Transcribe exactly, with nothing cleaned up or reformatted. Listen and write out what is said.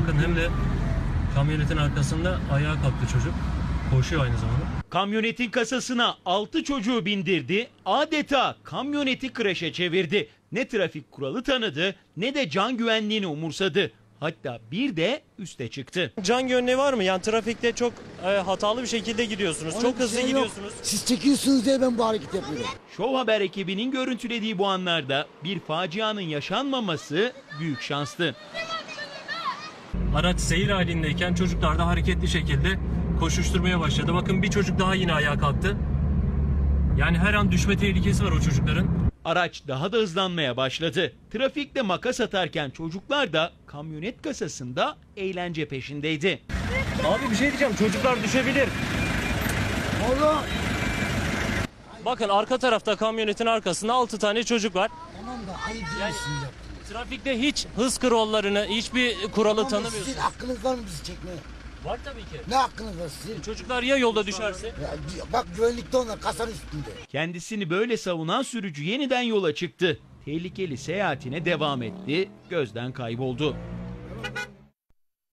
Bakın hem de kamyonetin arkasında ayağa kalktı çocuk. Koşuyor aynı zamanda. Kamyonetin kasasına altı çocuğu bindirdi, adeta kamyoneti kreşe çevirdi. Ne trafik kuralı tanıdı ne de can güvenliğini umursadı. Hatta bir de üste çıktı. Can güvenliği var mı? Yani trafikte çok e, hatalı bir şekilde gidiyorsunuz. Onun çok hızlı şey gidiyorsunuz. Yok. Siz çekiyorsunuz diye ben bu hareket yapıyorum. Show Haber ekibinin görüntülediği bu anlarda bir facianın yaşanmaması büyük şanstı. Araç seyir halindeyken çocuklar da hareketli şekilde koşuşturmaya başladı. Bakın bir çocuk daha yine ayağa kalktı. Yani her an düşme tehlikesi var o çocukların. Araç daha da hızlanmaya başladı. Trafikte makas atarken çocuklar da kamyonet kasasında eğlence peşindeydi. Abi bir şey diyeceğim. Çocuklar düşebilir. Allah. Bakın arka tarafta kamyonetin arkasında altı tane çocuk var. Tamam da ayıp Yani- değilsin yaptınız. Trafikte hiç hız kurallarını, hiçbir kuralı Tamam da tanımıyorsunuz. sizin hakkınız var mı bizi çekmeye? Var tabii ki. Ne hakkınız var sizin? Çocuklar ya yolda düşerse? Ya, bak güvenlikte onlar kasanın üstünde. Kendisini böyle savunan sürücü yeniden yola çıktı. Tehlikeli seyahatine devam etti, gözden kayboldu.